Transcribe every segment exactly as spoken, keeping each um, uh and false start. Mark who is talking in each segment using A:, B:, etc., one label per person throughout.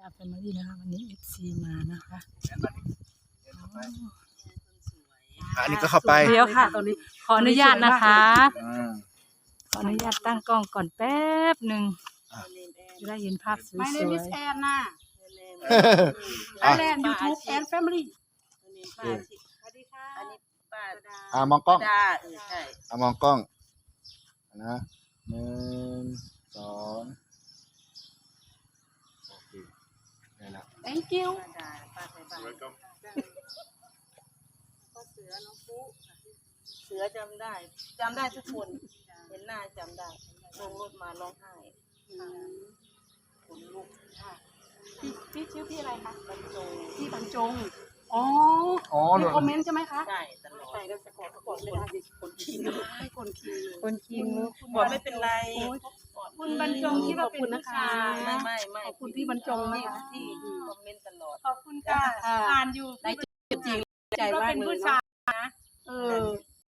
A: แฟมิลี่นะคะวันนี้เอฟซีมานะคะ
B: อันนี้ก็เข้าไป
A: เดี๋ยวค่ะตอนนี้ขออนุญาตนะคะขออนุญาตตั้งกล้องก่อนแป๊บหนึ่งจะได้เห็นภาพสวยๆ
C: My name is Anna ไอแลนด์ YouTube and Family
D: สวัสดีค่ะอันนี้ป้า
B: อ่ามองกล้อง
D: ดาเออใช่
B: อ่ามองกล้องนะหนึ่งสองโอเคได้แล้ว
C: Thank you
D: ป้าดาป้าไทยบ้านก็เสือน้องปุ๊เสือจำได้จำได้ทุกคนเห็นหน้าจำได้ลงรถมาร้องไห้ขนลุกค่ะ
C: พี่พี่ชื่อพี่อะไรคะ
D: บรรจง
C: พี่บรรจงอ๋อ
B: อ๋อ
C: มีคอมเมนต์ใช่ไหมคะ
D: ใช่ตลอด
C: ใส่แล้วจะกดกดไม่ได้ดิคนคิงให้คนคิงเลย
A: คนคิง
D: บอกไม่เป็นไร
C: คุณบรรจงที่ว่าเป็นนะคะ
D: ไม่ไม่ไม่
C: ขอบคุณพี่บรรจงนะคะ
D: ที่คอมเมนต์ตลอด
C: ขอบคุณค่ะอ่านอยู่ในจริงใจมากเลยนะเออ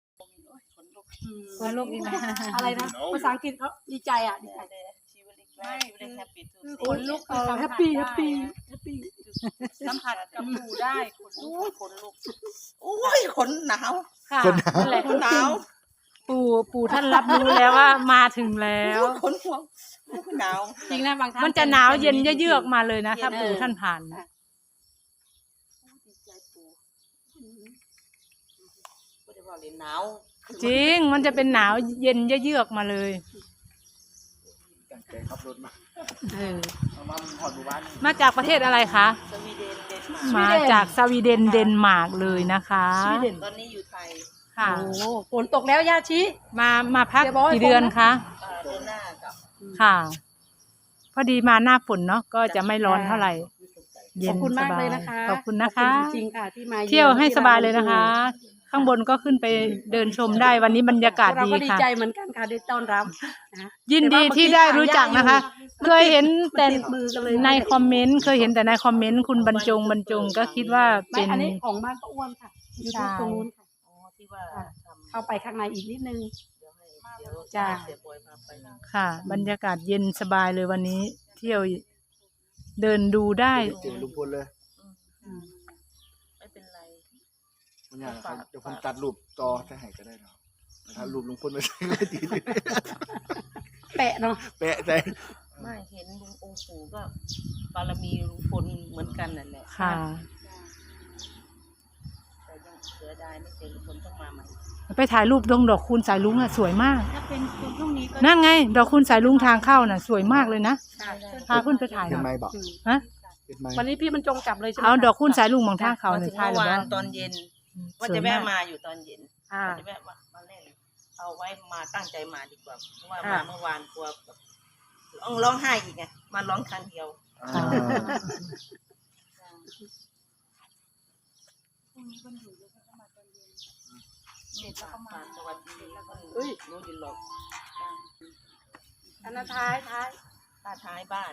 A: คนลูกนี่นะ
C: อะไรนะภาษาอังกฤษเขาดีใจอ่ะดีใจ
D: ชีวิตใกล้ชีวิตแฮปปี้ทุก
C: คนลุกเออแฮปปี้แฮปปี้แฮปปี้
D: สัมผัสกับหมู่ได้ขนลุกขนลุกโอ้ยขนหนาว
A: ค่ะ
B: คนหนาว
A: นั่นแหละ
D: ขนหนาว
A: ปู่ปู่ท่านรับรู้แล้วว่ามาถึงแล้ว
D: ขนหัวหนาว
C: จริงนะบางท่าน
A: มันจะหนาวเย็นเยือกๆมาเลยนะถ้าปู่ท่านผ่านนะ
D: ดีใจปูไม่ได้ว่าเลยหนาว
A: จริงมันจะเป็นหนาวเย็นเยือกๆมาเลย
B: ตั้งใจขับรถมา
A: เออ
B: เอามาหอดหมู่บ้าน
A: มาจากประเทศอะไรคะ
D: สวีเดนเดนมาร์ก
A: มาจากสวีเดนเดนมาร์กเลยนะคะ
C: สวีเดน
D: ตอนนี้อยู่ไทย
A: ค่ะ
C: โอ้ฝนตกแล้วย่าชิ
A: มามาพัก
C: เดี๋ยวบอกให้
A: กี่เดือน
C: ผมนะ
A: คะ
D: เอ่อเดือนหน้ากับ
A: ค่ะ พอดีมาหน้าฝนเนาะก็จะไม่ร้อนเท่าไหร่ เย็
C: ขอน บคุณ
A: ส
C: มาก
A: บา
C: เลย ยนะคะ
A: ขอบคุณนะคะ
C: ขอบณจริงๆค่ะที่มา
A: เที่ยวให้สบายเลยนะคะ ข้างบนก็ขึ้นไปเดินชมได้วันนี้บรรยากาศ
C: เรา
A: ดี
C: ก็ดี
A: ค่ะ
C: ใจเหมือนกันค่ะได้ต้อนรับนะ
A: ยินดีที่ได้รู้จักนะคะ เคยเห็นแต่
C: ติดมือกันเลย
A: ในคอมเมนต์เคยเห็นแต่ในคอมเมนต์คุณบรรจงบรรจงก็คิดว่า
C: ไม่
A: เป็น
C: อันนี้ของบ้านป้าอ้วนค่ะอยู่
A: ใช่
C: ตรงนู้นค่ะ
D: อ๋อที่ว่าทำ
C: เข้าไปข้างในอีกนิดนึง
D: เดี๋ยวให้เดี๋ยว
C: จ้า
D: เสียบอยพาไปนะ
A: ค่ะ บรรยากาศเย็นสบายเลยวันนี้ เที่ยวเดินดูได้
B: เจอลุงพลเลย
D: อืมไม่เป็นไร
B: มันอย่างไรเดี๋ยวผมตัดรูปจอจะให้ก็ได้เนาะถ้ารูปลุงพลไม่ใช่ก็ตี
C: แปะเนาะ
B: แปะใจ
D: ไม่เห็นลุงองค์ปู่ก็บารมีลุงพลเหมือนกันนั่นแหละ
A: ค่ะ
D: แต่ยังเสียดายไม่เจอลุงพลต้องมาใหม่
A: ไปถ่ายรูปดงดอกคูณสายลุงอ่ะสวยมาก
C: ถ้าเป็นคนพรุ่งนี้ก็
A: นั่นไง ดอกคูณสายลุงทางเข้าน่ะ สวยมากเลยนะ
D: ใช่ได้
A: พาขึ้นไปถ่ายห
B: เห็น
A: น่
B: ไหม
A: อย
B: บอก
C: อืม
A: ฮะ
B: เห็นไหม
C: วันนี้พี่มันจงจับเลยใช่ไหม
A: เอา
C: คะ
A: ดอกคูณสายลุงบางทางเขา
D: มา
A: เนี่
D: ถึ
A: ย
D: ง
A: ถ่าย
D: เมื่อ
A: แล้ว
D: วานตอนเย็น ว่า
A: สวย
D: จะ
A: มา
D: แวะ
A: ก
D: มาอยู่ตอนเย็น
C: อ่า
D: ว่าจะแวะมามาเล่นเอาไว้มาตั้งใจมาดีกว่าเพราะว่า
C: ค่ะ
D: มาเมื่อวานกลัวแบบร้องร้องไห้อีกไงมาร้องครั้งเดียว
B: อ่า
D: เสร็จแล้วก็มาสวัสดีแล้วก็
C: เฮ้ย
D: รู้ดินหรอก
C: อันนั้นท้ายท้าย
D: ป้าท้ายบ้าน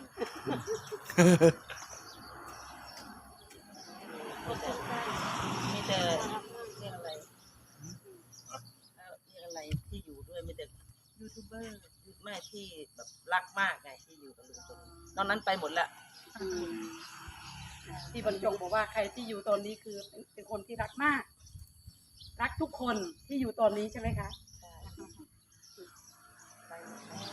D: มีแต่เรียกอะไรเอ่อเรียกอะไรที่อยู่ด้วยมีแต่ยูทูบเบอร์แม่ที่แบบรักมากไงที่อยู่กับลุงพลตอนนั้นไปหมดละ
C: อืมพี่บรรจงบอกว่าใครที่อยู่ตอนนี้คือเป็นเป็นคนที่รักมาก รักทุกคนที่อยู่ตอนนี้ใช่ไหมคะ
D: ใช่ไปหมดแล้ว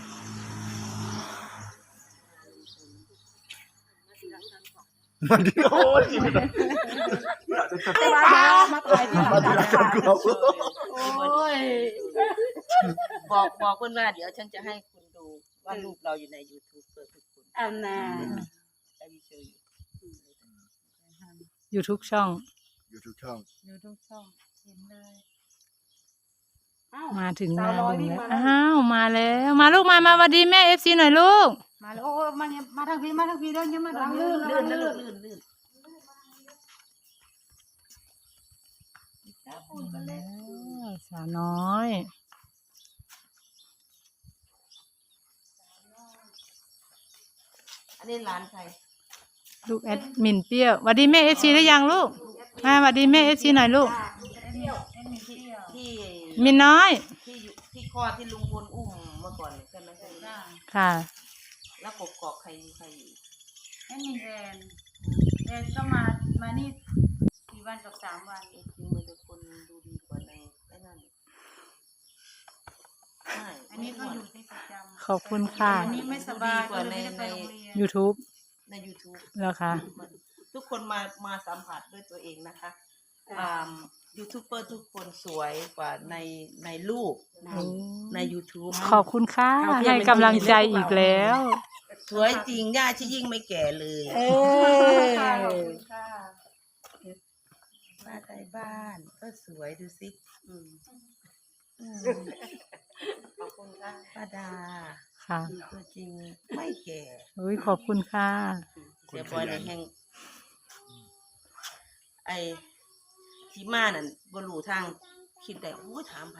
B: มาดิโอ้ย
C: แต่ว่ามาถ่ายที่หลัง
B: มาดิ
C: จาก
B: แล้วกู
C: โอ้ย
D: บอกบอกเพื่อนว่าเดี๋ยวฉันจะให้คุณดูว่ารูปเราอยู่ใน YouTube เปิดทุกคน
C: อันน่ะ
D: ได้วิชวลอยู่
A: อยู่ทุกช่อง
B: อยู่ทุกช่อง
A: อยู่ทุกช่องเห็นเลย
C: อ้าว
A: มาถึงห
C: สา
A: น้าว
C: น้อย
A: ลุง
C: วิ่ง
A: แล้ว
C: มาแล้ว
A: อ้าวมาแล้ว มาลูกมามาสวัสดีแม่เอฟซีหน่อยลูก
C: มาแล้วโอ้มาเนี่ยมาทางพี่มาทางพี่เดินยังมาทางลื่น
D: ลื่นนะ
C: ลื่
D: ลื่
C: น
D: นลื่นลื่น
A: แล้วสาวน้อย
D: อันนี้ร้านใคร
A: ลูกแอดมินเปรี้ยวสวัสดีแม่เอฟซีได้ยังลูกมาสวัสดีแม่เอฟซีหน่อยลูก
D: ที่
A: มินน้อย
D: ที่อยู่ที่คลอดที่ลุงพลอุ้มเมื่อก่อนใช่ไหมใช่ไหม
A: ค่ะ
D: แล้วกกอกใครใครอยู่
C: อ
A: นั่นมีแอนแอนก็มามานี่กี่วันกับสามวัน
D: จริงๆมันจะคนดูดีกว่าในไอ้นั่นใช่
A: อันนี้ก็อยู่ที่ประจำ
E: ขอบคุณค่ะ
A: อันนี้ไม่สบายก็เลยไม่ได้ไปโรงเรียน
E: YouTube
D: ใน YouTube
E: แล้วค่ะ
D: ทุกคนมามาสัมผัสด้วยตัวเองนะคะอ่ายูทูบเบอร์ทุกคนสวยกว่าในในรูปใน YouTube
E: ขอบคุณค่ะให้กำลังใจอีกแล้ว
D: สวยจริงย่าชิยิ่งไม่แก่เลย
E: เอ
A: ค่ะ
E: อ
A: ขอบคุณค่ะ
D: ป้าไทยบ้านก็สวยดูสิอืมอืม
C: ขอบคุณค่ะ
D: ป้าดา
E: ค่ะ
D: ตัวจริงไม่แก่
E: อุ้ยขอบคุณค่ะ
D: เสียบอยในแห่งไอ้ที่มานั่นบรูทางคิดแต่โอ้ยถามไผ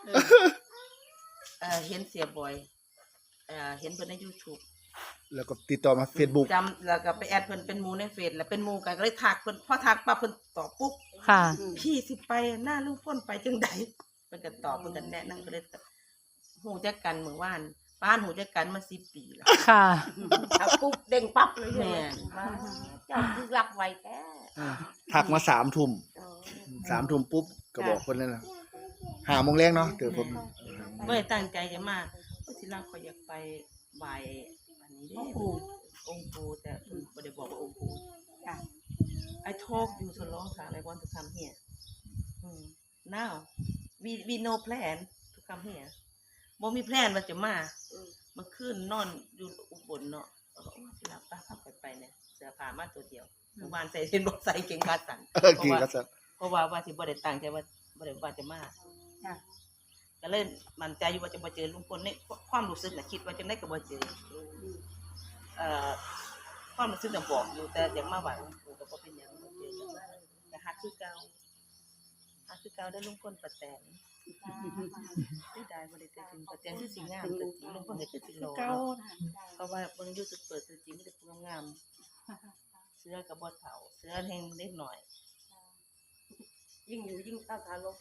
D: เออเห็นเสียบอยเออเห็นเพิ่นใน YouTube
B: แล้วก็ติดต่อมา Facebook
D: จำแล้วก็ไปแอดเพิ่นเป็นหมูในเฟซแล้วเป็นหมูกันก็เลยทักเพิ่นพอทักปั๊บเพิ่นตอบปุ๊บ
E: ค่ะ
D: พี่สิไปหน้าลุงพ้นไปจังใดเพิ่นก็ตอบเพิ่นก็แนะนำก็เลยหูจักกันเมื่อวานบ้านหูจักกันมาสิบปีแล้ว
E: ค่ะ
C: เอาปุ๊บเด้งปั๊บเลยใช่ไหม
D: แม่น
C: ว่าเจ้าคือรับไวแท้
B: ทักมาสามทุ่ม
C: อ๋อ
B: สามทุ่มปุ๊บก็บอกคนนั้นนะหาโมงแรกเนาะเดี๋ยวผม
D: บ่ได้ตั้งใจจะมาก็ทีแรกเขาอยากไปไหว้อันนี้เด้องค์ปู่องค์ปู่แต่เพิ่นบ่ได้บอกว่าองค์ปู่
C: ค่ะ
D: I talk you so long time I want to come here mm. now we we no plan to come here บ่มีแพลนว่าจะมามันขึ้นนอนอยู่อุบลเนาะแล้วก็โอ้สิลาป้าพักไปไปเนี่ยเสื้อผ้ามาตัวเดียวเมื่อวานใส่เห็นบ่ใส่เกงขาสั้น
B: เออกินก็จะ
D: เพราะว่าว่าสิบ่ได้ตั้งใจว่าบ่ได้ว่าจะมา
C: ค่ะ
D: ก็เลยมั่นใจอยู่ว่าจะบ่เจอลุงพลในความรู้สึกน่ะคิดว่าจังได๋ก็บ่เจอเอ่อความรู้สึกน่ะบอกอยู่แต่อยากมาไหว้หลวงปู่ก็บ่เป็นหยังบ่เจอกันแต่ฮักคือเก่าฮักคือเก่าได้ลุงพลป้าแตนได้ได้บ่ได้แต่จริงป้าแตนคือสิงามตัวจริงลุงพลก็คือสิหล่อ
C: เก้า
D: เพราะว่าเบิ่ง YouTube เปิดตัวจริงมีแต่ผู้งามๆเสื้อก็บ่เฒ่าเสื้อแห้งเล็กหน่อย
C: ยิ่งอยู่ยิ่งเข้าทางลบ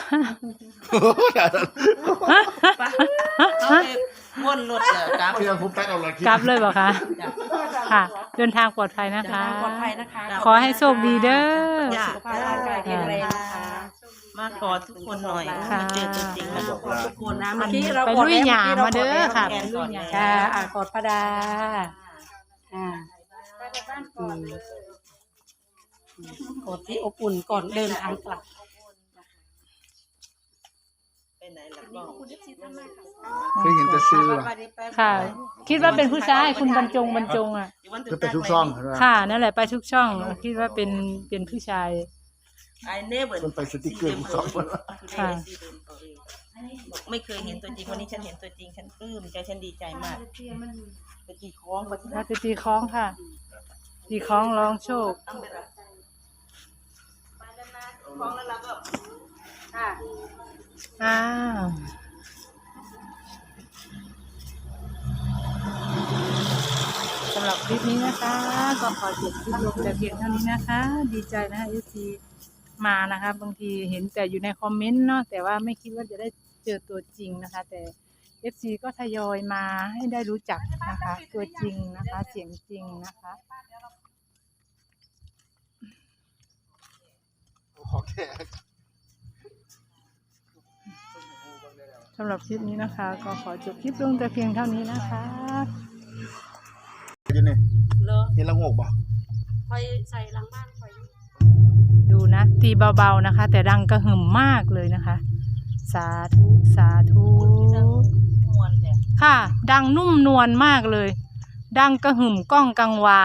D: ไปเอาไปวนรถเด้อกลับ
B: พี่ยังผมตัดเอาละคลิป
E: กลับเลยบอกคะ
D: จ้ะ
E: ค่ะ เดินทางปลอดภัยนะคะ
C: ปลอดภัยนะคะ
E: ขอให้โชคดีเด้อ
D: จ้ะ
C: สุขภาพร่างกายแข็งแรงนะคะ
D: มากอดทุกคนหน่อย
E: ค่ะ
D: มาเจอตัวจริง
C: ข
D: นะ
C: อบคุณทุกคนนะเมื่อกี้เรา
E: ไป
C: กด
E: ลุย
C: แล้ว
E: หยา
C: เมื่อกี้เรา
E: มาเด้อค่ะ
C: ก
E: ไป
C: ด
E: ลุยหยา
C: ค่ะอ่ะกดพระดาอ่า
A: ไปในบ้านก่อนเลย
C: กดที่อบอุ่นก่อนเดินทางกลับ
D: ไปไหนล่ะก็
B: เคยเห็นแต่ซื้อว่ะ
E: ค่ะ คิดว่าเป็นผู้ชายคุณบรรจงบรรจงอ่ะ
B: เพื่อไปทุกช่องเห็นไหม
E: ค่ะ นั่นแหละไปทุกช่อง คิดว่าเป็นเป็นผู้ชาย
D: ไอเนเวอร์
B: มันไปสติ๊กเกอร์ทุกช่อง
E: ค่ะ
D: บอกไม่เคยเห็นตัวจริงวันนี้ฉันเห็นตัวจริงฉันปลื้มใจฉันดีใจมากไปกี่คล้องไปที่
E: เราจะตีคล้องค่ะ ตีคล้องร้องโชค
D: ต้องไปรับไปนานๆคล้องแล้วเราก็
C: ค่ะ
E: อ้าวสำหรับคลิปนี้นะคะ ก็ขอจบคลิปลงแต่เพียงเท่านี้นะคะ ดีใจนะคะเอฟซีมานะคะ บางทีเห็นแต่อยู่ในคอมเมนต์เนาะแต่ว่าไม่คิดว่าจะได้เจอตัวจริงนะคะ แต่เอฟซีก็ทยอยมาให้ได้รู้จักนะคะ ตัวจริงนะคะ เสียงจริงนะคะ
B: ขอแค่
E: สำหรับคลิปนี้นะคะ ก็ขอจบคลิปลงแต่เพียงเท่านี้นะคะ
B: อยู่นี่
D: เหรอ
B: เห็นละงกป่ะ
C: คอยใส่หลังบ้านคอย
E: ดูนะ ตีเบาๆนะคะ แต่ดังกระหึ่มมากเลยนะคะ สาธุสาธุ
D: มวนแท้
E: ค่ะ ดังนุ่มนวลมากเลย ดังกระหึ่มก้องกังวาน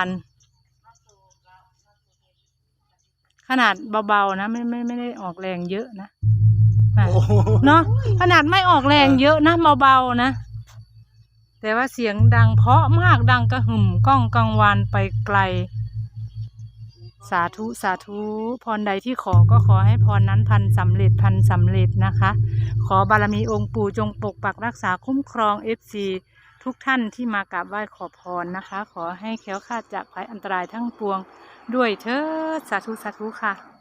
E: ขนาดเบาๆนะไม่ไม่ไม่ได้ออกแรงเยอะนะอ่ะเนาะขนาดไม่ออกแรงเยอะนะเบาๆนะ แต่ว่าเสียงดังเพราะมากดังกระหึ่มก้องกังวานไปไกล สาธุสาธุพรใดที่ขอก็ขอให้พรนั้นพันสำเร็จพันสำเร็จนะคะ ขอบารมีองค์ปู่จงปกปักรักษาคุ้มครองเอฟซีทุกท่านที่มากราบไหว้ขอพรนะคะ ขอให้แคล้วคลาดจากภัยอันตรายทั้งปวงด้วยเถิดสาธุสาธุค่ะ